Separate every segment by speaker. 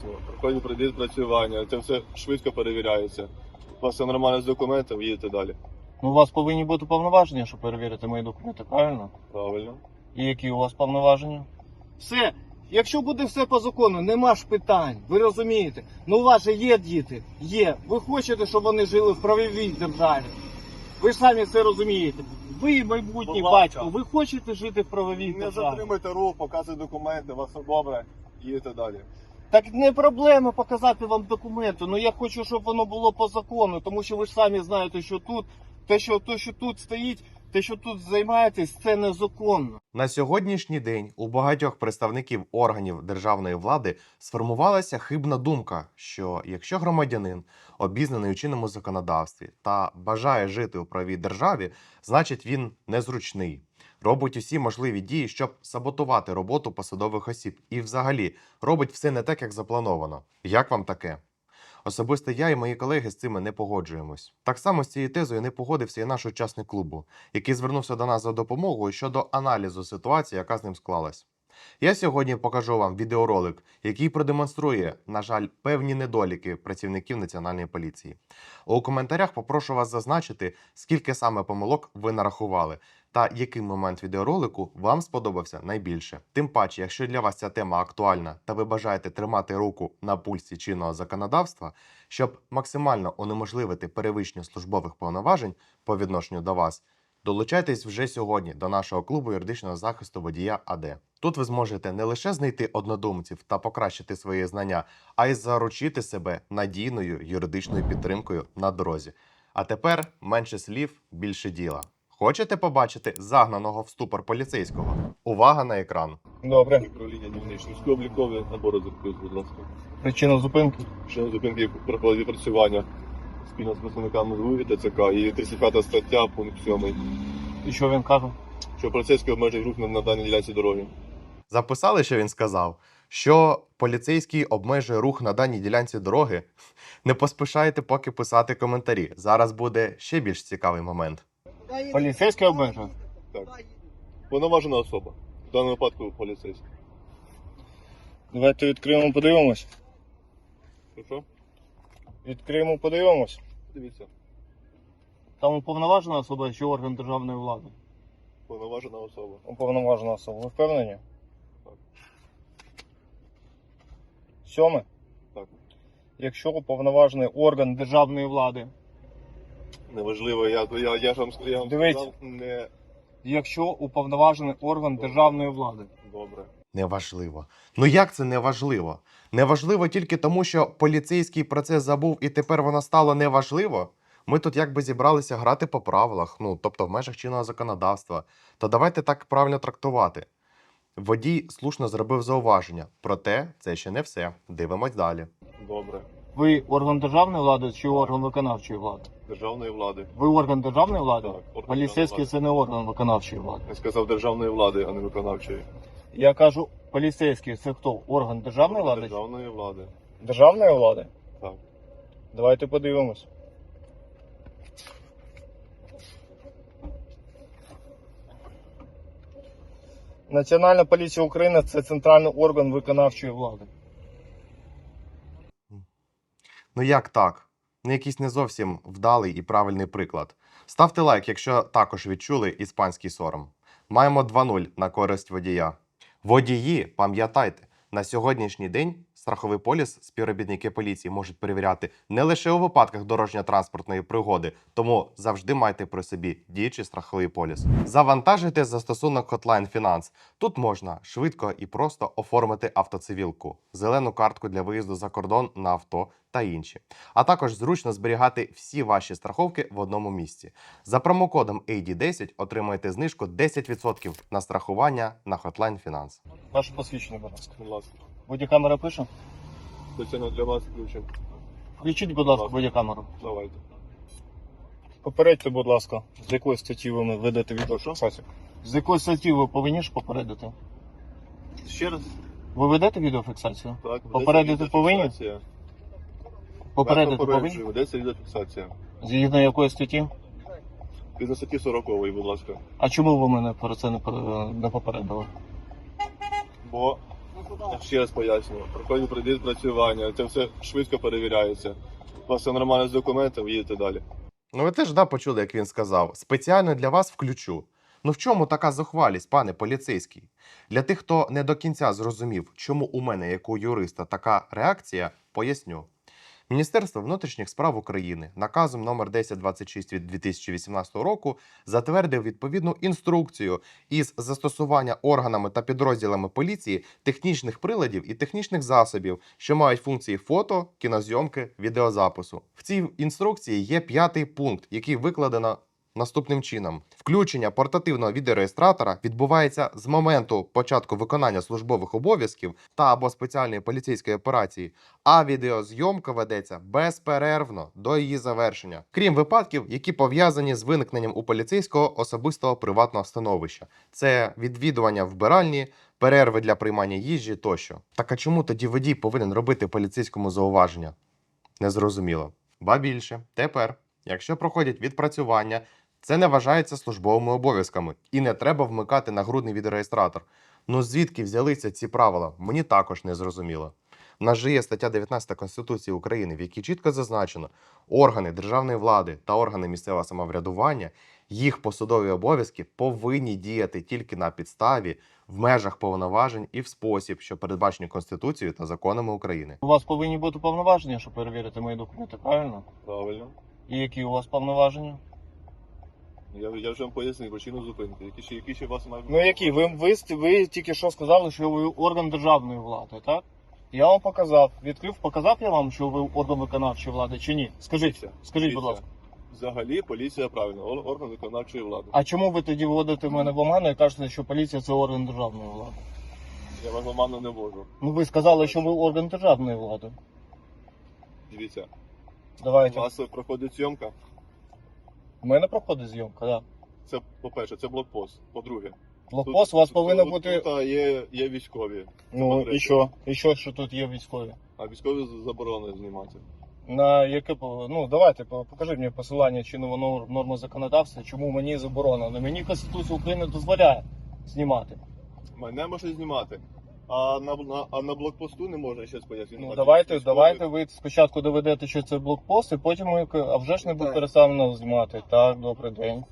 Speaker 1: Проходить відпрацювання, це все швидко перевіряється. У вас все нормально з документами, їдете далі.
Speaker 2: Ну, у вас повинні бути повноваження, щоб перевірити мої документи, правильно?
Speaker 1: Правильно.
Speaker 2: І які у вас повноваження? Все. Якщо буде все по закону, нема ж питань. Ви розумієте? Ну у вас же є діти. Є. Ви хочете, щоб вони жили в правовій державі. Ви ж самі це розумієте. Ви майбутній
Speaker 1: Будь ласка.
Speaker 2: батько. Ви хочете жити в правовій
Speaker 1: Не
Speaker 2: державі.
Speaker 1: затримуйте рух, показуйте документи, у вас все добре, їдете далі.
Speaker 2: Так не проблема показати вам документи. Ну я хочу, щоб воно було по закону, тому що ви ж самі знаєте, що тут, те, що тут стоїть, те, що тут займаєтесь, це незаконно.
Speaker 3: На сьогоднішній день у багатьох представників органів державної влади сформувалася хибна думка, що якщо громадянин обізнаний у чинному законодавстві та бажає жити у правовій державі, значить він незручний, робить усі можливі дії, щоб саботувати роботу посадових осіб і взагалі робить все не так, як заплановано. Як вам таке? Особисто я і мої колеги з цим не погоджуємось. Так само з цією тезою не погодився і наш учасник клубу, який звернувся до нас за допомогою щодо аналізу ситуації, яка з ним склалась. Я сьогодні покажу вам відеоролик, який продемонструє, на жаль, певні недоліки працівників Національної поліції. У коментарях попрошу вас зазначити, скільки саме помилок ви нарахували, та який момент відеоролику вам сподобався найбільше. Тим паче, якщо для вас ця тема актуальна та ви бажаєте тримати руку на пульсі чинного законодавства, щоб максимально унеможливити перевищення службових повноважень по відношенню до вас, долучайтесь вже сьогодні до нашого клубу юридичного захисту водія АД. Тут ви зможете не лише знайти однодумців та покращити свої знання, а й заручити себе надійною юридичною підтримкою на дорозі. А тепер менше слів, більше діла. Хочете побачити загнаного в ступор поліцейського? Увага на екран.
Speaker 2: Добре.
Speaker 1: Управління дільничних облікові набори закупив, будь ласка.
Speaker 2: Причина зупинки?
Speaker 1: Ще зупинки проходить відпрацювання спільно з представниками ЗВУ і ТЦК і 35 стаття, пункт 7.
Speaker 2: І що він каже?
Speaker 1: Що поліцейський обмежує рух на даній ділянці дороги.
Speaker 3: Записали, що він сказав? Що поліцейський обмежує рух на даній ділянці дороги? Не поспішайте поки писати коментарі. Зараз буде ще більш цікавий момент.
Speaker 2: Поліцейський обмежує?
Speaker 1: Так. Повноважена особа. В даному випадку поліцейський.
Speaker 2: Давайте відкриємо, подивимось.
Speaker 1: Що?
Speaker 2: Відкриємо, подивимось.
Speaker 1: Дивіться.
Speaker 2: Там уповноважена особа чи орган державної влади?
Speaker 1: Повноважена особа.
Speaker 2: Уповноважена особа. Ви впевнені?
Speaker 1: Так.
Speaker 2: 7.
Speaker 1: Так.
Speaker 2: Якщо уповноважений орган державної влади,
Speaker 1: Неважливо, я ж вам
Speaker 2: Дивіться.
Speaker 1: сказав, не
Speaker 2: якщо уповноважений орган державної влади.
Speaker 1: добре.
Speaker 3: Неважливо. Ну як це неважливо? Неважливо тільки тому, що поліцейський про це забув і тепер воно стало неважливо? Ми тут якби зібралися грати по правилах, тобто в межах чинного законодавства. То давайте так правильно трактувати. Водій слушно зробив зауваження, проте це ще не все. Дивимось далі.
Speaker 1: Добре.
Speaker 2: Ви орган державної влади чи орган виконавчої влади?
Speaker 1: Державної влади.
Speaker 2: Ви орган державної влади?
Speaker 1: Так, орган
Speaker 2: Поліцейський
Speaker 1: державної
Speaker 2: це не орган виконавчої влади.
Speaker 1: Я сказав державної влади, а не виконавчої.
Speaker 2: Я кажу, поліцейський це хто? Орган державної влади?
Speaker 1: Державної влади.
Speaker 2: Державної влади?
Speaker 1: Так.
Speaker 2: Давайте подивимось. Національна поліція України це центральний орган виконавчої влади.
Speaker 3: Ну як так? Ну якийсь не зовсім вдалий і правильний приклад. Ставте лайк, якщо також відчули іспанський сором. Маємо 2-0 на користь водія. Водії, пам'ятайте, на сьогоднішній день страховий поліс співробітники поліції можуть перевіряти не лише у випадках дорожньо-транспортної пригоди, тому завжди майте при собі діючий страховий поліс. Завантажуйте застосунок Hotline Finance. Тут можна швидко і просто оформити автоцивілку, зелену картку для виїзду за кордон на авто та інші. А також зручно зберігати всі ваші страховки в одному місці. За промокодом AD10 отримаєте знижку 10% на страхування на Hotline Finance.
Speaker 2: Ваше посвідчення, будь ласка.
Speaker 1: Будь ласка.
Speaker 2: Бодікамера пише?
Speaker 1: Спеціально для вас включимо.
Speaker 2: Включіть, будь ласка, бодікамеру.
Speaker 1: Давайте.
Speaker 2: Попередьте, будь ласка, з якої статті ви ведете відеофіксацію? З якої статті ви повинні ж попередити?
Speaker 1: Ще раз.
Speaker 2: Ви ведете відеофіксацію?
Speaker 1: Так.
Speaker 2: Попередити повинні?
Speaker 1: Відеофіксація.
Speaker 2: Попередити
Speaker 1: Вас
Speaker 2: повинні?
Speaker 1: попереджую, ведеться відеофіксація.
Speaker 2: Згідно якої статті?
Speaker 1: Згідно статті 40, будь ласка.
Speaker 2: А чому ви мене про це не попередили?
Speaker 1: Бо Ще раз пояснюю. Проходить відпрацювання, це все швидко перевіряється. У вас все нормально з документами, їдете далі.
Speaker 3: Ну ви теж почули, як він сказав. Спеціально для вас включу. Ну в чому така зухвалість, пане поліцейський? Для тих, хто не до кінця зрозумів, чому у мене, як у юриста, така реакція, поясню. Міністерство внутрішніх справ України наказом номер 1026 від 2018 року затвердив відповідну інструкцію із застосування органами та підрозділами поліції технічних приладів і технічних засобів, що мають функції фото, кінозйомки, відеозапису. В цій інструкції є 5-й пункт, який викладено наступним чином. Включення портативного відеореєстратора відбувається з моменту початку виконання службових обов'язків та або спеціальної поліцейської операції, а відеозйомка ведеться безперервно до її завершення, крім випадків, які пов'язані з виникненням у поліцейського особистого приватного становища. Це відвідування вбиральні, перерви для приймання їжі тощо. Так а чому тоді водій повинен робити поліцейському зауваження? Незрозуміло. Ба більше, тепер, якщо проходять відпрацювання, це не вважається службовими обов'язками і не треба вмикати нагрудний відеореєстратор. Ну звідки взялися ці правила? Мені також не зрозуміло. У нас же є стаття 19 Конституції України, в якій чітко зазначено, органи державної влади та органи місцевого самоврядування, їх посадові обов'язки повинні діяти тільки на підставі, в межах повноважень і в спосіб, що передбачені Конституцією та законами України.
Speaker 2: У вас повинні бути повноваження, щоб перевірити мої документи, правильно?
Speaker 1: Правильно.
Speaker 2: І які у вас повноваження?
Speaker 1: Я вже вам пояснив причину зупинки. Які ще у вас мають?
Speaker 2: Ну які? Ви тільки що сказали, що ви орган державної влади, так? Я вам показав, відкрив, показав я вам, що ви орган виконавчої влади чи ні? Скажіть, будь ласка.
Speaker 1: Взагалі поліція правильно, орган виконавчої влади.
Speaker 2: А чому ви тоді вводите мене в оману і кажете, що поліція це орган державної влади?
Speaker 1: Я вас оману не можу.
Speaker 2: Ну ви сказали, що ви орган державної влади.
Speaker 1: Дивіться, у
Speaker 2: Давайте.
Speaker 1: вас проходить зйомка.
Speaker 2: У мене проходить зйомка, так.
Speaker 1: Це, по-перше, це блокпост. По-друге,
Speaker 2: Блокпост у вас повинен бути.
Speaker 1: Тут є військові.
Speaker 2: Ну
Speaker 1: по-третє.
Speaker 2: і що? І що тут є військові?
Speaker 1: А військові заборонено знімати.
Speaker 2: На яке ну давайте покажіть мені посилання чинного норми законодавства, чому мені заборонено. Мені Конституція України дозволяє знімати.
Speaker 1: Мене можна знімати. А на блокпосту не можна, ще пояснити.
Speaker 2: Ну давайте ви спочатку доведете, що це блокпост, і потім ми, а вже ж не буде переставлено знімати. Так, добрий день.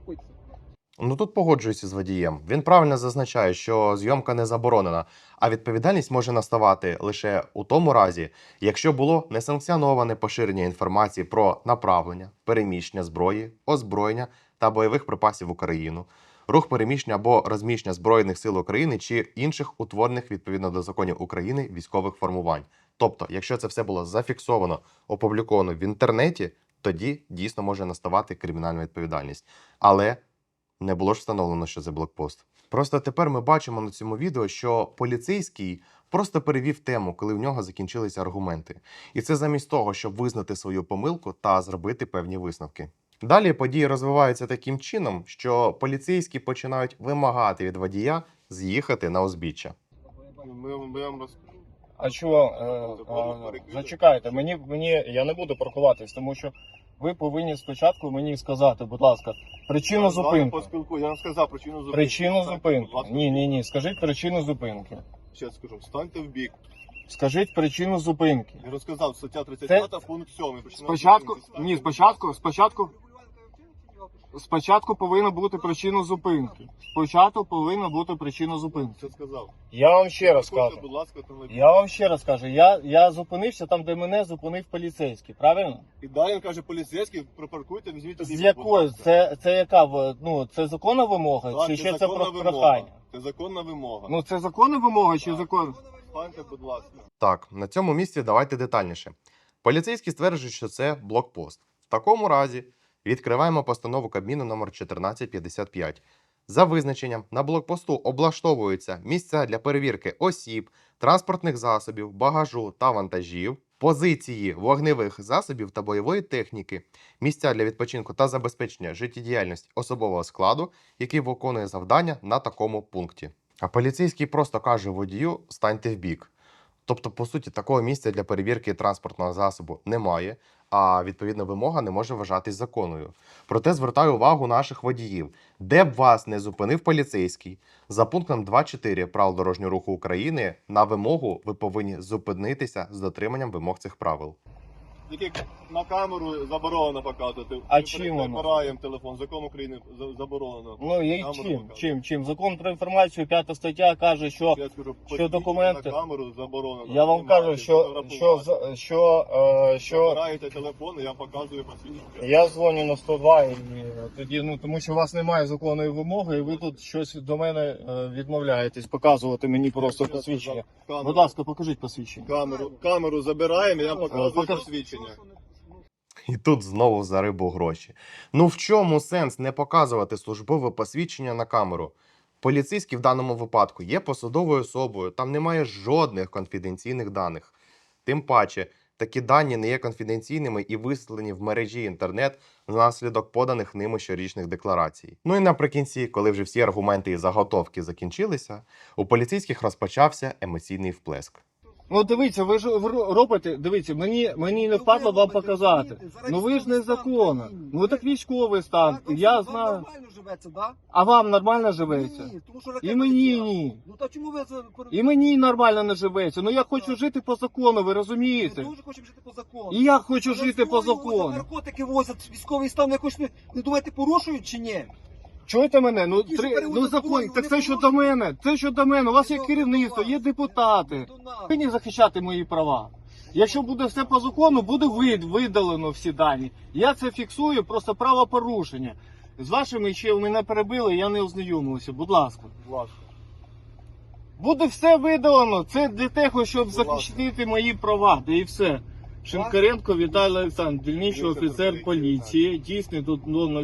Speaker 3: Ну тут погоджуюся з водієм. Він правильно зазначає, що зйомка не заборонена, а відповідальність може наставати лише у тому разі, якщо було несанкціоноване поширення інформації про направлення, переміщення зброї, озброєння та бойових припасів в Україну, рух переміщення або розміщення Збройних сил України чи інших утворених відповідно до законів України військових формувань. Тобто, якщо це все було зафіксовано, опубліковано в інтернеті, тоді дійсно може наставати кримінальна відповідальність. Але не було ж встановлено, що це блокпост. Просто тепер ми бачимо на цьому відео, що поліцейський просто перевів тему, коли в нього закінчилися аргументи. І це замість того, щоб визнати свою помилку та зробити певні висновки. Далі події розвиваються таким чином, що поліцейські починають вимагати від водія з'їхати на узбіччя.
Speaker 1: Ми вам розкажемо.
Speaker 2: А чого? Зачекайте, я не буду паркуватись, тому що ви повинні спочатку мені сказати, будь ласка, причину зупинки.
Speaker 1: Я вам сказав причину зупинки.
Speaker 2: Причину зупинки.
Speaker 1: Будь ласка.
Speaker 2: Ні. Скажіть причину зупинки.
Speaker 1: Ще скажу, станьте в бік.
Speaker 2: Скажіть причину зупинки.
Speaker 1: Я розказав, стаття 35, пункт 7.
Speaker 2: Спочатку повинна бути причина зупинки. Спочатку повинна бути причина зупинки.
Speaker 1: Що сказав?
Speaker 2: Я вам ще раз
Speaker 1: Заходьте,
Speaker 2: кажу.
Speaker 1: будь ласка, автомобіль.
Speaker 2: Я вам ще раз кажу, я зупинився там, де мене зупинив поліцейський, правильно?
Speaker 1: І далі він каже, поліцейський, припаркуйте, візьміть
Speaker 2: З якою? Це яка? Ну, це законна вимога?
Speaker 1: Так,
Speaker 2: Чи ще це
Speaker 1: законна
Speaker 2: про
Speaker 1: вимога.
Speaker 2: прохання?
Speaker 1: Це законна вимога.
Speaker 2: Ну, це законна вимога чи
Speaker 1: Так.
Speaker 2: закон?
Speaker 1: Станьте, будь ласка.
Speaker 3: Так, на цьому місці давайте детальніше. Поліцейські стверджують, що це блокпост. В такому разі відкриваємо постанову Кабміну номер 1455. За визначенням, на блокпосту облаштовуються місця для перевірки осіб, транспортних засобів, багажу та вантажів, позиції вогневих засобів та бойової техніки, місця для відпочинку та забезпечення життєдіяльності особового складу, який виконує завдання на такому пункті. А поліцейський просто каже водію «станьте в бік». Тобто, по суті, такого місця для перевірки транспортного засобу немає, а відповідна вимога не може вважатись законною. Проте звертаю увагу наших водіїв, де б вас не зупинив поліцейський, за пунктом 2.4 правил дорожнього руху України на вимогу ви повинні зупинитися з дотриманням вимог цих правил.
Speaker 1: Тільки на камеру заборонено показувати.
Speaker 2: А
Speaker 1: Ми
Speaker 2: чим воно?
Speaker 1: прибираємо телефон. Закон України заборонено.
Speaker 2: Ну і
Speaker 1: Камеру
Speaker 2: чим?
Speaker 1: показувати.
Speaker 2: Чим? Закон про інформацію, 5 стаття каже, що
Speaker 1: Я скажу,
Speaker 2: що документи-
Speaker 1: на камеру заборонено.
Speaker 2: я вам кажу, що
Speaker 1: Забираєте телефон, і я показую посвідчення.
Speaker 2: я дзвоню на 102 і тоді, ну тому що у вас немає законної вимоги, і ви тут щось до мене відмовляєтесь показувати мені просто посвідчення. Будь ласка, покажіть посвідчення.
Speaker 1: Камеру забираємо, і я показую
Speaker 2: Покаж-
Speaker 1: посвідчення.
Speaker 3: І тут знову за рибу гроші. Ну в чому сенс не показувати службове посвідчення на камеру? Поліцейський в даному випадку є посадовою особою, там немає жодних конфіденційних даних. Тим паче, такі дані не є конфіденційними і вислані в мережі інтернет внаслідок поданих ними щорічних декларацій. Ну і наприкінці, коли вже всі аргументи і заготовки закінчилися, у поліцейських розпочався емоційний вплеск.
Speaker 2: Ну дивіться, ви ж робите, дивіться, мені не впадло вам показати. Ну ви ж незаконно. Ну так військовий стан, я знаю.
Speaker 4: Нормально живеться, да?
Speaker 2: А вам нормально живеться?
Speaker 4: Ні, тому що
Speaker 2: І
Speaker 4: ракета
Speaker 2: мені
Speaker 4: летіла.
Speaker 2: ні.
Speaker 4: Ну та чому ви це...
Speaker 2: І мені нормально не живеться. Ну я хочу жити по закону, ви
Speaker 4: Ми
Speaker 2: розумієте?
Speaker 4: дуже хочемо жити по закону.
Speaker 2: І я хочу
Speaker 4: Але
Speaker 2: жити по
Speaker 4: зброю возять,
Speaker 2: закону.
Speaker 4: наркотики возять, військовий стан якось не думаєте, порушують чи ні?
Speaker 2: Чуєте мене? Ну,
Speaker 4: Які ж перевозять
Speaker 2: закон,
Speaker 4: зброю,
Speaker 2: так
Speaker 4: вони
Speaker 2: це щодо
Speaker 4: порушують.
Speaker 2: мене. Це щодо мене. У вас є
Speaker 4: Що
Speaker 2: керівництво,
Speaker 4: до
Speaker 2: є
Speaker 4: вас?
Speaker 2: депутати.
Speaker 4: До нас.
Speaker 2: Повинні захищати мої права. Якщо буде все по закону, буде видалено всі дані. Я це фіксую, просто правопорушення. З вашими ще мене перебили, я не ознайомився. Будь ласка. Буде все видалено. Це для того, щоб
Speaker 1: ласка.
Speaker 2: захистити мої права. Де і все. Шинкаренко Віталій Олександрович, дільничний офіцер поліції, дійсний до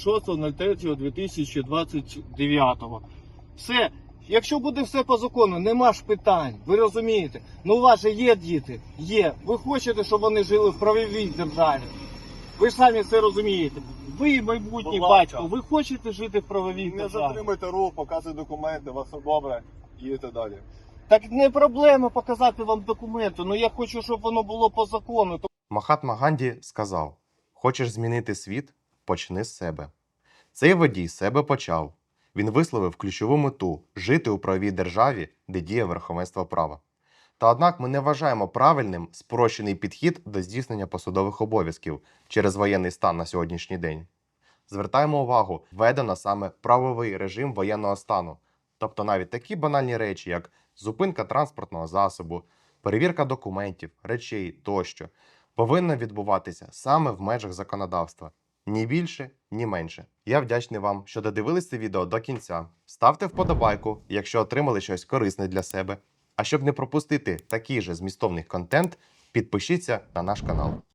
Speaker 2: 06.03.2029. Все. Якщо буде все по закону, нема ж питань. Ви розумієте? Ну у вас же є діти. Є. Ви хочете, щоб вони жили в правовій державі. Ви ж самі це розумієте. Ви майбутній
Speaker 1: Будь ласка.
Speaker 2: батько. Ви хочете жити в правовій
Speaker 1: Не
Speaker 2: державі.
Speaker 1: затримуйте рух, показуйте документи, у вас все добре, їдете далі.
Speaker 2: Так не проблема показати вам документи. Ну я хочу, щоб воно було по закону.
Speaker 3: Махатма Ганді сказав: «Хочеш змінити світ? Почни з себе». Цей водій з себе почав. Він висловив ключову мету – жити у правовій державі, де діє верховенство права. Та однак ми не вважаємо правильним спрощений підхід до здійснення посадових обов'язків через воєнний стан на сьогоднішній день. Звертаємо увагу, введено саме правовий режим воєнного стану. Тобто навіть такі банальні речі, як зупинка транспортного засобу, перевірка документів, речей тощо, повинна відбуватися саме в межах законодавства. Ні більше, ні менше. Я вдячний вам, що додивились це відео до кінця. Ставте вподобайку, якщо отримали щось корисне для себе. А щоб не пропустити такий же змістовний контент, підпишіться на наш канал.